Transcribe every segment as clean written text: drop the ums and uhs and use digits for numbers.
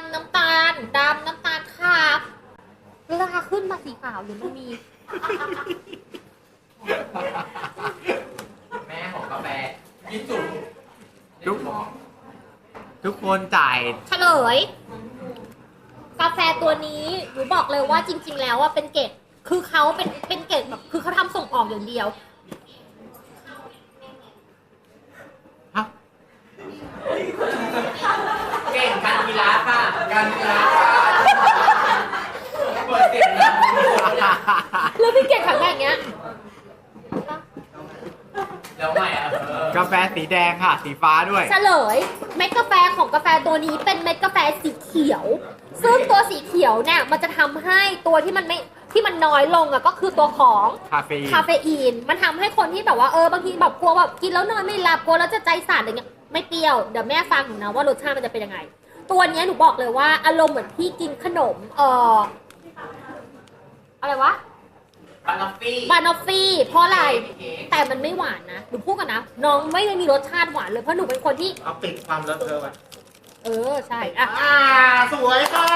น้ำตาลดำน้ำตาลขาวราคาขึ้นมาสีขาวหรือมันมีแม่ของกาแฟยิ่งจุกทุกคนจ่ายเฉลย กาแฟตัวนี้หนูบอกเลยว่าจริง ๆ แล้วว่าเป็นเกรดคือเขาเป็นเกรดแบบคือเขาทำส่งออกอย่างเดียวฮะเก่งการกีฬาค่ะการกีฬาค่ะเปิดเสียงดังแล้วพี่เกรดแข็งแรงอย่างเงี้ยแล้วใหม่อ่ะกาแฟสีแดงค่ะ สีฟ้าด้วยเฉลยเม็ดกาแฟของกาแฟตัวนี้เป็นเม็ดกาแฟสีเขียว ซึ่งตัวสีเขียวเนี่ยมันจะทำให้ตัวที่มันน้อยลงอะก็คือตัวของคาเฟอีนคาเฟอีนมันทำให้คนที่แบบว่าบางทีแบบกลัวแบบกินแล้วนอนไม่หลับกลัวแล้วจะใจสั่นอะไรเงี้ยไม่เปรี้ยวเดี๋ยวแม่ฟังหนูนะว่ารสชาติมันจะเป็นยังไง ตัวเนี้ยหนูบอกเลยว่าอารมณ์เหมือนพี่กินขนมอะไรวะบานอฟฟี่บานอฟฟี่เพราะอะไรแต่มันไม่หวานนะหนูพูดกันนะน้องไม่ได้มีรสชาติหวานเลยเพราะหนูเป็นคนที่เอาปิดความเลอะเทอะไว้ใช่อ่ะสวยค่ะ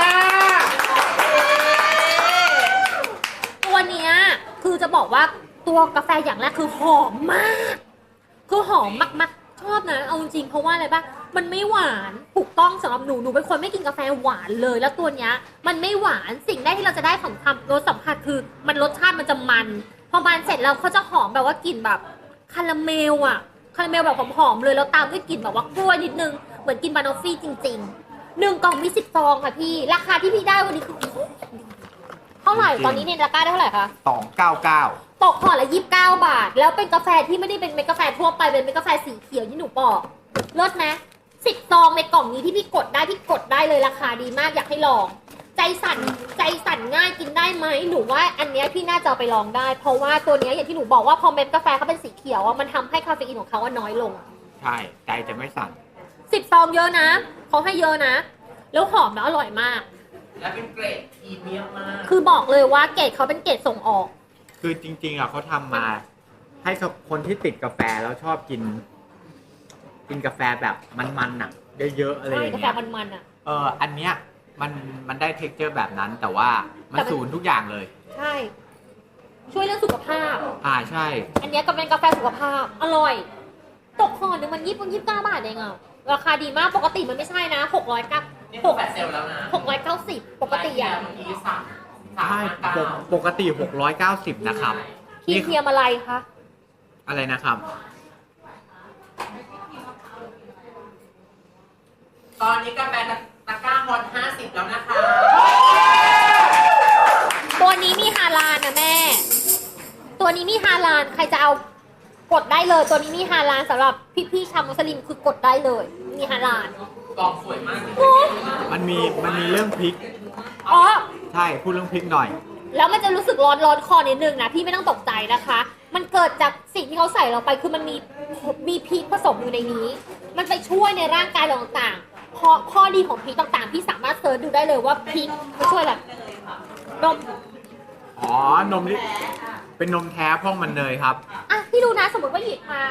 ตัวเนี้ยคือจะบอกว่าตัวกาแฟอย่างแรกคือหอมมาก คือหอมมากๆชอบนะเอาจริงๆเพราะว่าอะไรป่ะมันไม่หวานถูกต้องสำหรับหนูเป็นคนไม่กินกาแฟหวานเลยแล้วตัวเนี้ยมันไม่หวานสิ่งแรกที่เราจะได้ของคำรสสัมผัสคือมันรสชาติมันจะมันพอมันเสร็จแล้วเขาจะหอมแบบว่ากลิ่นแบบคาราเมลอะคาราเมลแบบหอมๆเลยแล้วตามด้วยกลิ่นแบบว่ากล้วยนิดนึงเหมือนกินบานอฟฟี่จริงๆ1 กล่องมี10 ซองค่ะพี่ราคาที่พี่ได้วันนี้คือเท่าไหร่ตอนนี้ในตะกร้าได้เท่าไหร่คะ 299 ตกห่อละ29 บาท แล้วเป็นกาแฟที่ไม่ได้เป็นเม็ดกาแฟทั่วไปเป็นเม็ดกาแฟสีเขียวที่หนูบอกลดนะ10 ซองในกล่องนี้ที่พี่กดได้เลยราคาดีมากอยากให้ลอง ใจสั่นง่ายกินได้ไหมหนูว่าอันเนี้ยพี่น่าจะเอาไปลองได้ เพราะว่าตัวเนี้ยอย่างที่หนูบอกว่าพอเม็ดกาแฟเขาเป็นสีเขียวอะมันทำให้คาเฟอีนของเขาน้อยลงใช่ ใจจะไม่สั่น 10 ซองเยอะนะเขาให้เยอะนะ แล้วหอมแล้วอร่อยมากและเป็นเกรดพรีเมียมมากคือบอกเลยว่าเกรดเขาเป็นเกรดส่งออกคือจริงๆอ่ะเขาทำมาให้กับคนที่ติดกาแฟแล้วชอบกินกาแฟแบบมันๆอ่ะเยอะๆอะไรอใช่ย่างกาแฟเงี้ยมันๆอ่ะอันเนี้ยมันได้เท็กเจอร์แบบนั้น แต่ว่ามันศูนย์ทุกอย่างเลยใช่ ช่วยเรื่องสุขภาพใช่อันเนี้ยก็เป็นกาแฟสุขภาพ อร่อย ตกห่อหนึ่งมัน29 บาทเองอ่ะ ราคาดีมาก ปกติมันไม่ใช่นะนี่คือแฟลชเซลแล้วนะ 690 ปกติอ่ะเมื่อกี้สั่งใช่ปกติ690นะครับครีมเทียมอะไรคะอะไรนะครับตอนนี้กาแฟตะกร้าฮอต50แล้วนะคะตัวนี้มีฮาลาลนะแม่ ตัวนี้มีฮาลาลใครจะเอากดได้เลย ตัวนี้มีฮาลาลสำหรับพี่ๆชาวมุสลิมคือกดได้เลย มีฮาลาลกล่องสวยมากโอ้มันมีเรื่องพริกอ๋อใช่พูดเรื่องพริกหน่อยแล้วมันจะรู้สึกร้อนคอนิดนึงนะพี่ไม่ต้องตกใจนะคะ มันเกิดจากสิ่งที่เขาใส่ลงไปคือมันมีพริกผสมอยู่ในนี้ มันไปช่วยในร่างกายเราต่างๆเพราะข้อดีของพริกต่างๆพี่สามารถเซิร์ชดูได้เลยว่าพริกมันช่วยอะไรนมนมนี่เป็นนมแท้พ่องมันเนยครับอ่ะพี่ดูนะสมมติว่าหยิบมา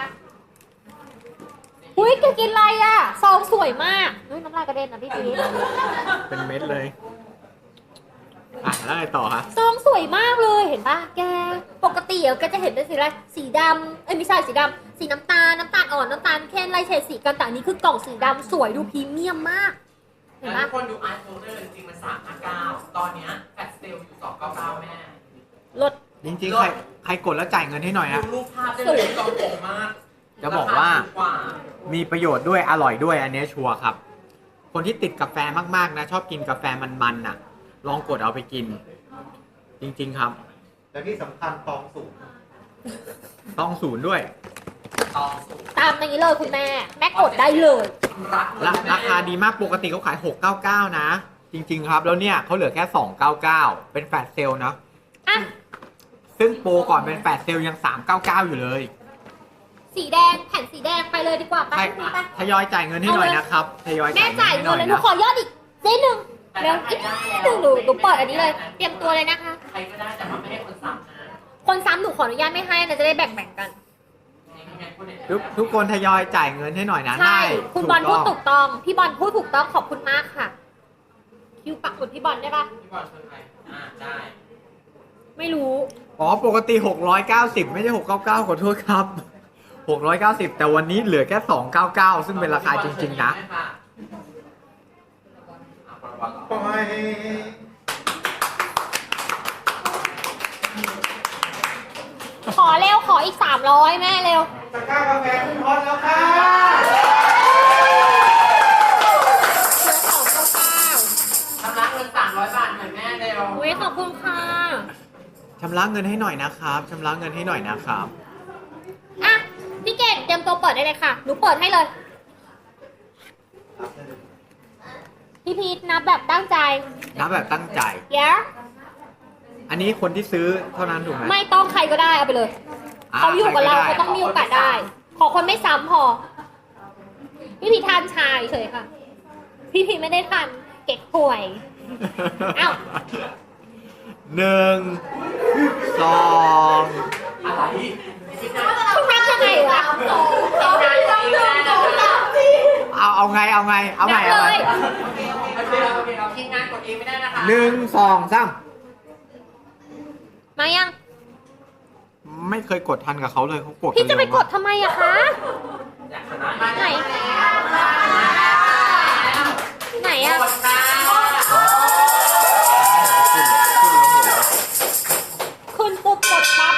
อุ้ยแกกินอะไรอ่ะซองสวยมากเฮ้ยน้ำลายกระเด็นนะพี่พีชเป็นเม็ดเลย แล้วไงต่อฮะซองสวยมากเลยเห็นป่ะแกปกติแกจะเห็นเป็นสีอะไรสีดำไม่ใช่สีดำสีน้ำตาลอ่อนน้ำตาลเข้มไล่เฉดสีกันแต่อันนี้คือกล่องสีดำสวยดูพรีเมียมมากเห็นแล้วป่ะทุกคนดูอาร์ตโฟลเดอร์จริงๆมัน359ตอนเนี้ยแฟลชเซลอยู่299แม่ลดจริงๆ ใครกดแล้วจ่ายเงินให้หน่อยดูอะรูปภาพได้เลยกล่องโป่งมากจะบอกว่ารคถูกว่ามีประโยชน์ด้วยอร่อยด้วยอันนี้ชัวร์ครับ คนที่ติดกาแฟมากๆนะ ชอบกินกาแฟมันๆน่ะ ลองกดเอาไปกิน จริงๆครับและที่สำคัญตองสูงต้องศูนย์ด้วยตองสูงตามอย่างนี้เลยคุณแม่กดได้เลยรักราคาดีมากปกติเขาขาย 699 นะ จริงๆครับ แล้วเนี่ยเขาเหลือแค่ 299 เป็นแฟลชเซลล์นะอ่ะซึ่งโปรก่อนเป็นแฟลชเซลล์ยัง 399 อยู่เลยสีแดงแผ่นสีแดงไปเลยดีกว่าไปใช่พี่ไปทยอยจ่ายเงินให้หน่อยนะครับทยอยแม่จ่ายให้หเงิน่นอยเลยหนูนะขอยอดอีกเจ๊หนึ่งเร็วอีกนิดนึงหนูเปิดอันนี้เลย เตรียมตัวเลยนะคะใครก็ได้แต่มันไม่ให้คนซ้ำนะคนซ้ำหนูขออนุญาตไม่ให้นะจะได้แบ่งกันทุกคนทยอยจ่ายเงินให้หน่อยนะใช่ได้คุณบอลพูดต้ถูองกต้อง พี่บอลพูดถูกต้องขอบคุณมากค่ะคิวปักหมุดพี่บอลได้ปะพี่บอลชวนใครได้ไม่รู้อ๋อ ปกติ 690 ไม่ใช่ 699 ขอโทษครับ 690 แต่วันนี้เหลือแค่ 299 ซึ่งเป็นราคาจริงๆนะปล่อยขอเร็วขออีก 300 แม่เร็วตะกร้ากาแฟขึ้นฮอตแล้วค่ะเหลือ299 ชำระเงิน300 บาทหน่อยแม่เร็วอุ้ยขอบคุณค่ะชำระเงินให้หน่อยนะครับชำระเงินให้หน่อยนะครับอ่ะ พี่เกดเตรียมตัวเปิดได้เลยค่ะ หนูเปิดให้เลย พี่พีทนับแบบตั้งใจนับแบบตั้งใจเย้อันนี้คนที่ซื้อเท่านั้นถูกไหมไม่ต้องใครก็ได้เอาไปเลย เขาอยู่กับเราใคเขาก็ต้องมีโอกาสได้ ขอคนไม่ซ้ำพอ พี่พีทานชายเฉยค่ะ พี่พีทไม่ได้ทานเก๊กฮวย เอ้าหนึ่งสองอะไรคุณนับยังไงวะเอาไงเอาไงเอานัไงบเอาเลไงยโอเคเราทีมงานกดเองไม่ได้นะคะหนึ่งสองสามมายังไม่เคยกดทันกับเขาเลยเขากดพี่จะไปเร็วกมาดทำไมอะคะอยากชนะไหน ไหนอะกดค่ะขึ้นปุ๊บกดปั๊บ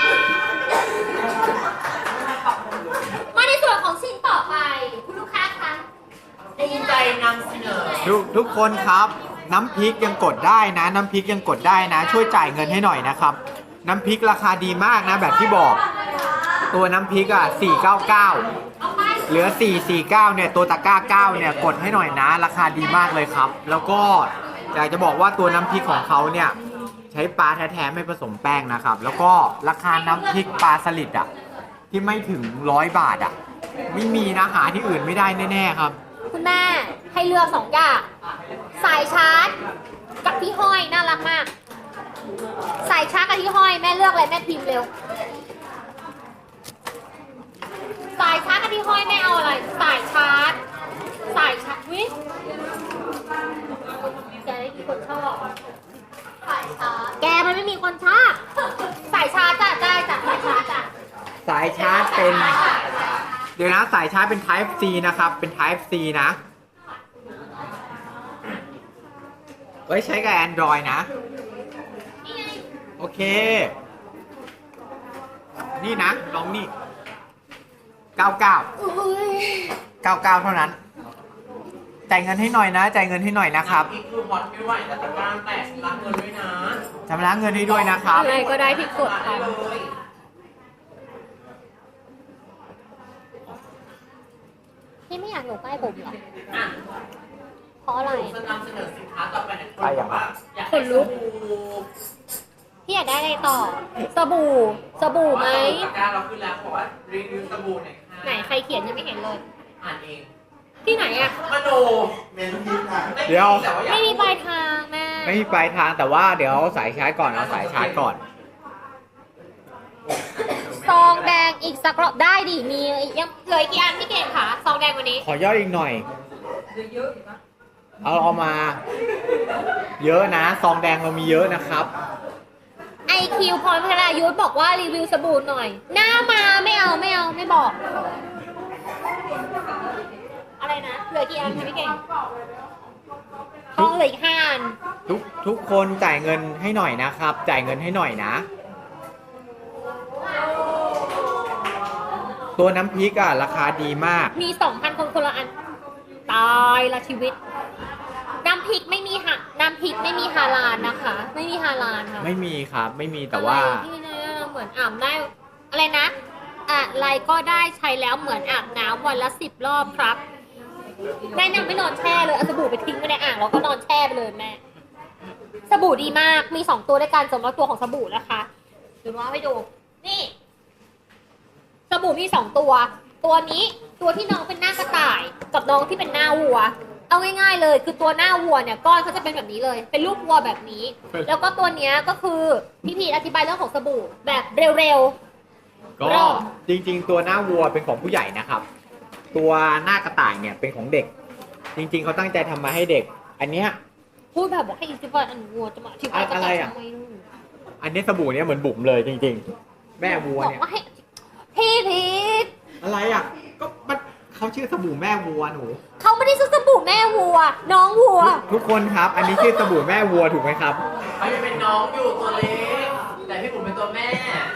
มาในส่วนของชิ้นต่อไป คุณลูกค้าคะภูมิใจนำเสนอทุกคนครับ น้ำพริกยังกดได้นะ น้ำพริกยังกดได้นะ ช่วยจ่ายเงินให้หน่อยนะครับ น้ำพริกราคาดีมากนะ แบบที่บอก ตัวน้ำพริกอ่ะ499 เอาไปเหลือ 449 เนี่ยตัวตะกร้า 9 เนี่ยกดให้หน่อยนะ ราคาดีมากเลยครับ แล้วก็อยากจะบอกว่าตัวน้ำพริกของเขาเนี่ยใช้ปลาแท้ๆไม่ผสมแป้งนะครับ แล้วก็ราคาน้ำพริกปลาสลิดอ่ะที่ไม่ถึง100 บาทอ่ะไม่มีนะหาที่อื่นไม่ได้แน่ๆครับคุณแม่ให้เลือก2 อย่าง สายชาร์จ กับที่ห้อยน่ารักมาก สายชาร์จกับที่ห้อยแม่เลือกอะไรแม่พิมพ์เร็ว สายชาร์จกับที่ห้อยแม่เอาอะไร สายชาร์จ สายชาร์จวิแกได้มีคนชอบสายชาร์จ แกมันไม่มีคนชอบสายชาร์จจ้ะได้จ้ะสายชาร์จจ้ะสายชาร์จเป็น เดี๋ยวนะสายชาร์จเป็น Type C นะครับ เป็น Type C นะไว้ใช้กับ Android นะนี่ไงโอเค นี่นะลองนี่ 99 อุ้ย 99 เท่านั้น จ่ายเงินให้หน่อยนะ จ่ายเงินให้หน่อยนะครับอีกคือฮอตไม่ไหวแต่ตะกร้าแตกรับเงินด้วยนะชำระเงินให้ด้วยนะครับอะไรก็ได้ที่กดได้ค่ะเลยพี่ไม่อยากอยู่ใกล้ผมเหรออ่ะเพราะอะไรจะนำเสนอสินค้าต่อไปเนี่ยไปอย่างไรอยากขนลุก พี่อยากได้อะไรต่อ สบู่ สบู่ไหมตะกร้าเราขึ้นแล้วบอกว่ารีวิวสบู่หน่อยค่ะไหนใครเขียนยังไม่เห็นเลยอ่านเองที่ไหนอะมโนเมนพีค่ะเดี๋ยวแต่ว่าอยากไม่มีปลายทางแม่ไม่มีปลายทางแต่ว่าเดี๋ยวเอาสายชาร์จก่อน เอาสายชาร์จก่อนซองแดงอีกสักรอบได้ดิ มียังเหลืออีกกี่อันพี่เก่งคะซองแดงวันนี้ขอย่อยอีกหน่อย เอามา เยอะนะ ซองแดงเรามีเยอะนะครับ IQ พรพัฒนายุทธบอกว่ารีวิวสบู่หน่อย หน้ามาไม่เอาไม่เอาไม่บอก อะไรนะ เหลือกี่อันคะพี่เก่งทองเหลืออีก5 อันทุกคนจ่ายเงินให้หน่อยนะครับ จ่ายเงินให้หน่อยนะ ตัวน้ำพริกอ่ะราคาดีมากมี 2,000 คนคนละอัน ตายละชีวิต น้ำพริกไม่มีน้ำพริกไม่มีฮาลาลนะคะ ไม่มีฮาลาลค่ะไม่มีครับ ไม่มีแต่ว่าอะไรที่เนี่ยเหมือนอาบได้อะไรนะอะไรก็ได้ใช้แล้วเหมือนอาบน้ำวันละ10 รอบครับแม่ยังไม่นอนแช่เลยเอาสบู่ไปทิ้งไว้ในอ่างแล้วก็นอนแช่ไปเลยแม่สบู่ดีมากมี2 ตัวด้วยกันสำหรับตัวของสบู่นะคะเดี๋ยวว่าให้ดูนี่สบู่มี2 ตัว ตัวนี้ตัวที่น้องเป็นหน้ากระต่าย กับน้องที่เป็นหน้าวัว เอาง่ายๆเลยคือตัวหน้าวัวเนี่ยก้อนเขาจะเป็นแบบนี้เลย เป็นรูปวัวแบบนี้ แล้วก็ตัวเนี้ยก็คือพี่พีทอธิบายเรื่องของสบู่แบบเร็วก็รอบจริงๆ ตัวหน้าวัวเป็นของผู้ใหญ่นะครับ ตัวหน้ากระต่ายเนี่ยเป็นของเด็ก จริงๆเขาตั้งใจทำมาให้เด็ก อันเนี้ยๆพูดแบบบอกให้อีกทีว่าอันวัวจะมาอธิบายกระอะไรต่ายอะทำไมนู่นอันนี้สบู่เนี่ยเหมือนบุ๋มเลยจริงๆ แม่วัวบอกเนี่ยว่าให้พี่พีทอะไรอ่ะก็มันเขาชื่อสบู่แม่วัวหนูเขาไม่ได้ซื้อสบู่แม่วัว น้องวัวทุกคนครับ อันนี้ชื่อสบู่แม่วัวถูกไหมครับเขายังเป็นน้องอยู่ตัวเล็ก แต่พี่ผมเป็นตัวแม่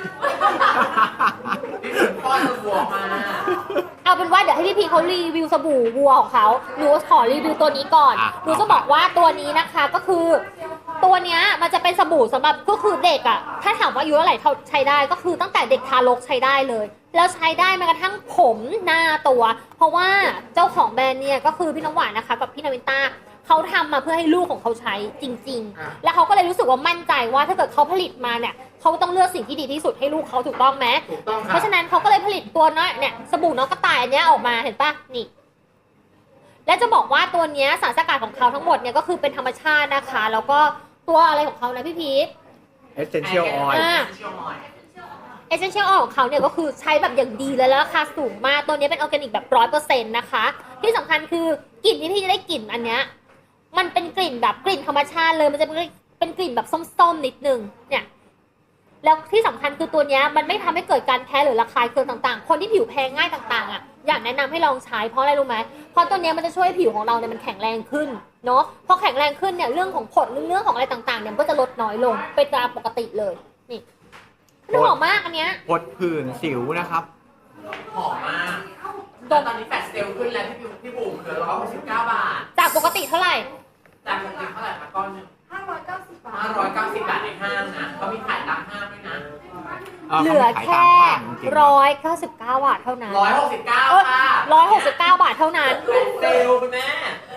พี่ผมป้อนตัวบวกมาเอาเป็นว่าเดี๋ยวให้พี่พีเขารีวิวสบู่วัวของเขาหนูขอรีวิวตัวนี้ก่อนอ่ะหนูจะบอกว่าตัวนี้นะคะก็คือ ตัวเนี้ยมันจะเป็นสบู่สำหรับก็คือเด็กอะถ้าถามว่าอายุเท่าไหร่ใช้ได้ก็คือตั้งแต่เด็กทารกใช้ได้เลย แล้วใช้ได้แม้กระทั่งผมหน้าตัว เพราะว่าเจ้าของแบรนด์เนี่ยก็คือพี่น้ำหวานนะคะกับพี่นาวินต้าเขาทำมาเพื่อให้ลูกของเขาใช้จริงอ่ะๆ แล้วเขาก็เลยรู้สึกว่ามั่นใจว่าถ้าเกิดเขาผลิตมาเนี่ยเขาต้องเลือกสิ่งที่ดีที่สุดให้ลูกเขาถูกต้องไหมถูกต้องคเพรับราะฉะนั้นเขาก็เลยผลิตตัวน้อยเนี่ยสบู่น้องกระต่ายอันเนี้ยออกมาเห็นปะนี่ และจะบอกว่าตัวเนี้ยสารสกัดของเขาทั้งหมดเนี่ยก็คือเป็นธรรมชาตินะคะ แล้วก็ตัวอะไรของเขานะพี่พีท Essential Oil อ่า เอเซนเชียลออยของเขาเนี่ยก็คือใช้แบบอย่างดีเลยแล้วราคาสูงมากตัวนี้เป็นออร์แกนิกแบบ100%นะคะ ที่สำคัญคือกลิ่นที่พี่จะได้กลิ่นอันเนี้ยมันเป็นกลิ่นแบบกลิ่นธรรมชาติเลยมันจะเป็นกลิ่นแบบส้มๆนิดนึงเนี่ยแล้วที่สำคัญคือตัวเนี้ยมันไม่ทำให้เกิดการแพ้หรือระคายเคืองต่างๆ คนที่ผิวแพ้ง่ายต่างๆอ่ะอยากแนะนำให้ลองใช้เพราะอะไรรู้ไหมเพราะตัวเนี้ยมันจะช่วยให้ผิวของเราเนี่ยมันแข็งแรงขึ้นเนาะพอแข็งแรงขึ้นเนี่ยเรื่องของผดเรื่องของอะไรต่างๆเนี่ยมันก็จะลดน้อยลงเป็นตามปกติเลยนี่มันหอมมากอันเนี้ยพดผื่นสิวนะครับหอมมากแต่ตอนนี้แฟลชเซลล์ขึ้นแล้วพี่บุ๋มเหลือ169 บาทจากปกติเท่าไหร่จากปกติเท่าไหร่คะก้อนหนึง 590 บาท 590 บาทในห้างนะเขามีขายตามห้างด้วยนะเหลือแค่199 บาทเท่านั้น 169ค่ะ 169 บาทเท่านั้นแฟลชเซลล์คุณแม่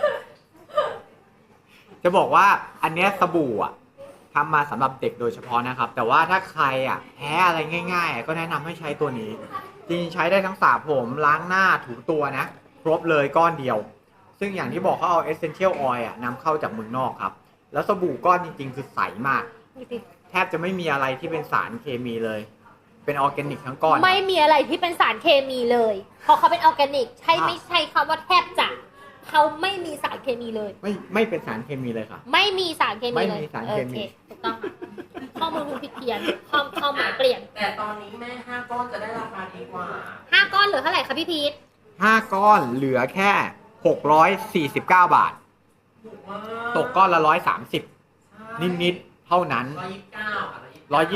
จะบอกว่าอันเนี้ยสบู่อ่ะทำมาสำหรับเด็กโดยเฉพาะนะครับ แต่ว่าถ้าใครอ่ะแพ้อะไรง่ายๆ ก็แนะนำให้ใช้ตัวนี้ จริงๆใช้ได้ทั้งสระผมล้างหน้าถูตัวนะ ครบเลยก้อนเดียว ซึ่งอย่างที่บอกเขาเอา Essential Oil อ่ะนำเข้าจากเมืองนอกครับ แล้วสบู่ก้อนจริงๆ คือใสมาก แทบจะไม่มีอะไรที่เป็นสารเคมีเลย เป็นออร์แกนิกทั้งก้อนไม่มีอะไรที่เป็นสารเคมีเลย เพราะเขาเป็นออร์แกนิก ใช่ไม่ใช่คำว่าแทบจะเขาไม่มีสารเคมีเลยไม่เป็นสารเคมีเลยค่ะไม่มีสารเคมีเลยไม่มีสารเคมีโอถูกต้องค่ะข้อมูลคุณผิดเพี้ยนความหมายเปลี่ยนแต่ตอนนี้แม่5 ก้อนจะได้ราคาดีกว่า 5 ก้อนเหลือเท่าไหร่คะพี่พีท 5 ก้อนเหลือแค่ 649 บาทถูกมากตกก้อนละ 130 นิดๆเท่านั้น 129ค่ะ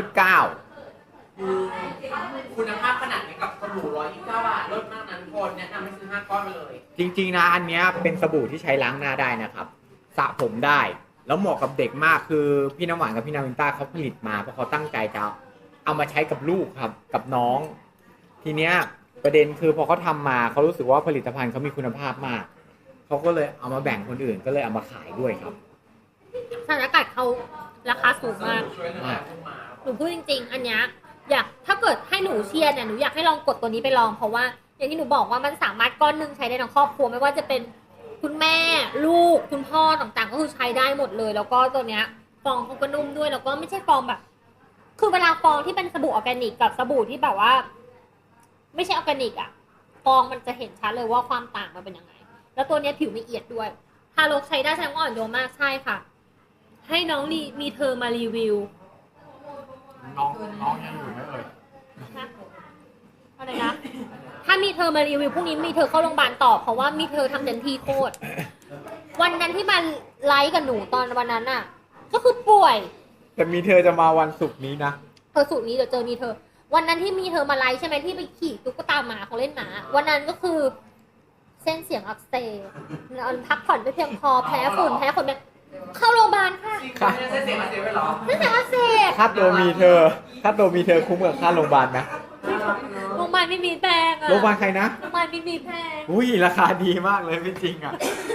129 คือคุณภาพขนาดนี้กับสบู่129 บาทลดมากนั้นคนแนะนำให้ซื้อ5 ก้อนไปเลยจริงๆนะอันเนี้ยเป็นสบู่ที่ใช้ล้างหน้าได้นะครับสระผมได้ แล้วเหมาะกับเด็กมากคือพี่น้ำหวานกับพี่นาวินต้าเขาผลิตมาเพราะเขาตั้งใจจะเอามาใช้กับลูกครับกับน้อง ทีเนี้ยประเด็นคือพอเขาทำมาเขารู้สึกว่าผลิตภัณฑ์เขามีคุณภาพมากเขาก็เลยเอามาแบ่งคนอื่นก็เลยเอามาขายด้วยครับสารสกัดเขาราคาสูงมากช่วยเหลือทุกมาหนูพูดจริงๆ อันเนี้ยอยากถ้าเกิดให้หนูเชียร์เนี่ยหนูอยากให้ลองกดตัวนี้ไปลองเพราะว่าอย่างที่หนูบอกว่ามันสามารถก้อนหนึงใช้ได้ทั้งครอบครัวไม่ว่าจะเป็นคุณแม่ลูกคุณพ่อต่างๆ ก็คือใช้ได้หมดเลย แล้วก็ตัวเนี้ยฟองเขาก็นุ่มด้วยแล้วก็ไม่ใช่ฟองแบบ คือเวลาฟองที่เป็นสบู่ออร์แกนิกกับสบู่ที่แบบว่า ไม่ใช่ออร์แกนิกอะฟองมันจะเห็นชัดเลยว่าความต่างมันเป็นยังไง แล้วตัวเนี้ยผิวไม่เอียดด้วยทารกใช้ได้แสดงว่าอ่อนโยนมากใช่ค่ะ ให้น้องมีเธอมารีวิวน้องยังอยู่ไหมเอ่ยนะอะไรนะ ถ้ามีเธอมารีวิวพรุ่งนี้มีเธอเข้าโรงพยาบาลต่อเพราะว่ามีเธอทำเต็มที่โคตร วันนั้นที่มาไลฟ์กับหนูตอนวันนั้นน่ะ ก็คือป่วยแต่มีเธอจะมาวันศุกร์นี้นะสูตรนี้เดี๋ยวเจอมีเธอ วันนั้นที่มีเธอมาไลฟ์ใช่ไหมที่ไปขี่ตุ๊กตาหมาของเล่นหมา วันนั้นก็คือ เส้นเสียงอักเสบนอนพักผ่อนไม่เพียงพอแพ้ฝุ่นแบบเข้าโรงพยาบาลค่ะจริงคุณไม่ได้เสียงมาเสียไปหรอเส้นเสียงอักเสบค่าตัวมีเธอคุ้มกับค่าโรงพยาบาลไหมโรงพยาบาลไม่มีแพงอะโรงพยาบาลใครนะโรงพยาบาลไม่มีแพงอุ้ยราคาดีมากเลยไม่จริงอ่ะ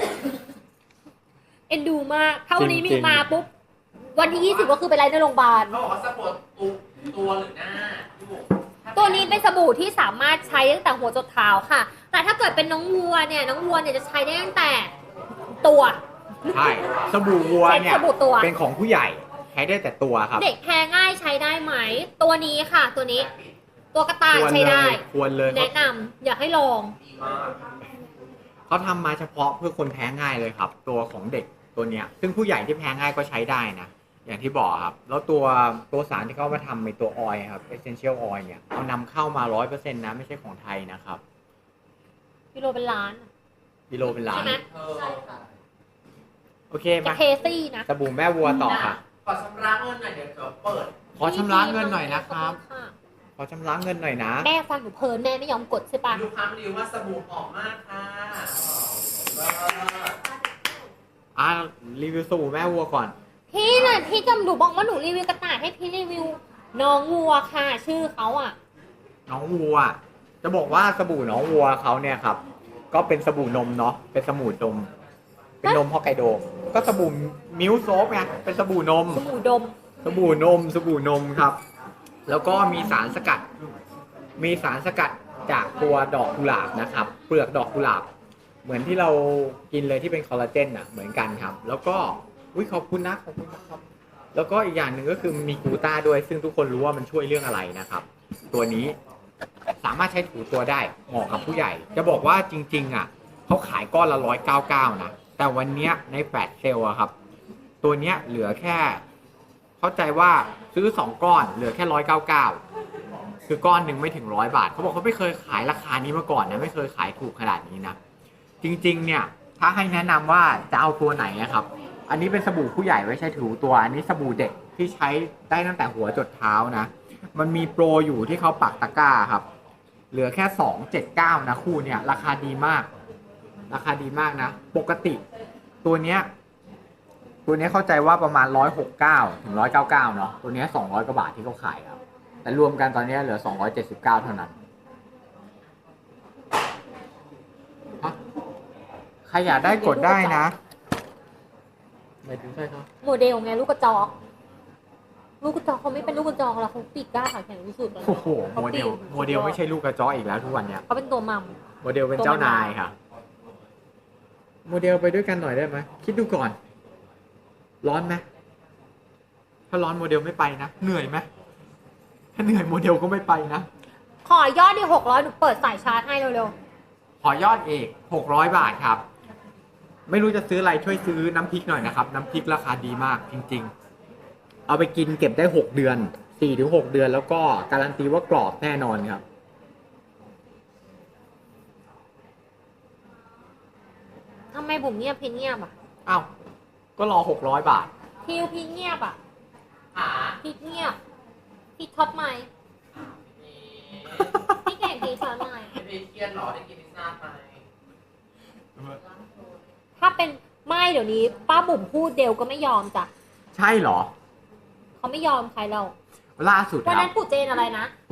เอ็นดูมาก ถ้าวันนี้มีจริงๆมาปุ๊บ วันที่ 20 ก็คือไปไลฟ์ในโรงพยาบาลเขาบอกว่าสปอร์ตตัวหรือหน้าพี่บุ๋มตัวนี้เป็นสบู่ที่สามารถใช้ตั้งแต่หัวจนเท้าค่ะ แต่ถ้าเกิดเป็นน้องวัวเนี่ยจะใช้ได้ตั้งแต่ตัวใช่สบู่วัวเนี่ยใช้สบู่ตัวเป็นของผู้ใหญ่ใช้ได้แต่ตัวครับเด็กแพ้ง่ายใช้ได้ไหม ตัวนี้ค่ะ ตัวนี้ ตัวกระต่ายใช้ได้ควรเลยแนะนำอยากให้ลองดีมากเขาทำมาเฉพาะเพื่อคนแพ้ง่ายเลยครับ ตัวของเด็กตัวเนี้ยซึ่งผู้ใหญ่ที่แพ้ง่ายก็ใช้ได้นะอย่างที่บอกครับแล้วตัวสารที่เขามาทำในตัวออยล์ครับ essential oil เนี่ยเอานำเข้ามา 100% นะไม่ใช่ของไทยนะครับกิโลเป็นล้านกิโลเป็นล้าใช่นไหมโอเคจะมาเคซี่นะสบู่แม่วัวต่อค่ะขอชำระเงินหน่อยเดี๋ยวเปิดขอชำระเงินหน่อยนะครับขอณขอชำระเงินหน่อยนะแม่ฟังหนูเพลินแม่ไม่ยอมกดใช่ปะลูกค้ารีวิวว่าสบู่หอมมากค่ะรีวิวสบู่แม่วัวก่อนพี่น่ะพี่จำหนูบอกว่าหนูรีวิวกระต่ายให้พี่รีวิวน้องวัวค่ะ ชื่อเขาอ่ะน้องวัว จะบอกว่าสบู่น้องวัวเขาเนี่ยครับ ก็เป็นสบู่นมเนาะเป็นสบู่นม เป็นนมฮอกไกโด ก็สบู่มิลค์โซฟไงเป็นสบู่นมสบู่ดมสบู่นมสบู่นมครับ แล้วก็มีสารสกัด มีสารสกัดจากตัวดอกกุหลาบนะครับ เปลือกดอกกุหลาบ เหมือนที่เรากินเลยที่เป็นคอลลาเจนอ่ะเหมือนกันครับ แล้วก็ขอบคุณนะครับ แล้วก็อีกอย่างหนึ่งก็คือมีกลูต้าด้วย ซึ่งทุกคนรู้ว่ามันช่วยเรื่องอะไรนะครับ ตัวนี้สามารถใช้ถูตัวได้เหมาะกับผู้ใหญ่ จะบอกว่าจริงๆอ่ะเขาขายก้อนละ199นะแต่วันเนี้ยในแฟลชเซลอะครับ ตัวเนี้ยเหลือแค่ เข้าใจว่าซื้อ2ก้อนเหลือแค่199คือก้อนหนึ่งไม่ถึง100 บาทเขาบอกเขาไม่เคยขายราคานี้มาก่อนนะไม่เคยขายถูกขนาดนี้นะจริงๆเนี่ยถ้าให้แนะนำว่าจะเอาตัวไหนนะครับอันนี้เป็นสบู่ผู้ใหญ่ไว้ใช้ถูตัวอันนี้สบู่เด็กที่ใช้ได้ตั้งแต่หัวจดเท้านะมันมีโปรอยู่ที่เขาปักตะกร้าครับเหลือแค่279นะคู่เนี่ยราคาดีมากนะปกติตัวเนี้ยเข้าใจว่าประมาณ169ถึง199เนาะตัวเนี้ย200 กว่าบาทที่เขาขายครับแต่รวมกันตอนนี้เหลือ279เท่านั้นใครอยากได้กดได้นะไม่ถึงใช่ครับโมเดลไงลูกกระจอก ลูกกระจอกเขาไม่เป็นลูกกระจอกแล้วเขาปีกกล้าขาแข็งที่สุดเลยโอ้โหโมเดลไม่ใช่ลูกกระจอกอีกแล้วทุกวันเนี้ยเขาเป็นตัวมัมโมเดลเป็นเจ้านายค่ะโมเดลไปด้วยกันหน่อยได้ไหมคิดดูก่อนร้อนไหมถ้าร้อนโมเดลไม่ไปนะเหนื่อยไหมถ้าเหนื่อยโมเดลก็ไม่ไปนะขอยอดดิ600หนูเปิดสายชาร์จให้เร็วขอยอดเอก600 บาทครับ ไม่รู้จะซื้ออะไรช่วยซื้อน้ำพริกหน่อยนะครับ น้ำพริกราคาดีมากจริงๆ เอาไปกินเก็บได้6 เดือน 4-6 เดือนแล้วก็การันตีว่ากรอบแน่นอนครับๆทำไมบุ๋มเงียบพี่เงียบอ่ะอ้าว ก็รอ600 บาททิวพี่เงียบอ่ะหาพี่เงียบพี่ช็อตไหมพี่เก่งพี่ช็อตไหมไม่เครียดหรอได้กินพิซซ่าไหมถ้าเป็นไม่เดี๋ยวนี้ป้าบุ๋มพูดเดวก็ไม่ยอมจ้ะใช่เหรอเขาไม่ยอมใครเราล่าสุดวันครันั้บนปู่เจนอะไรนะ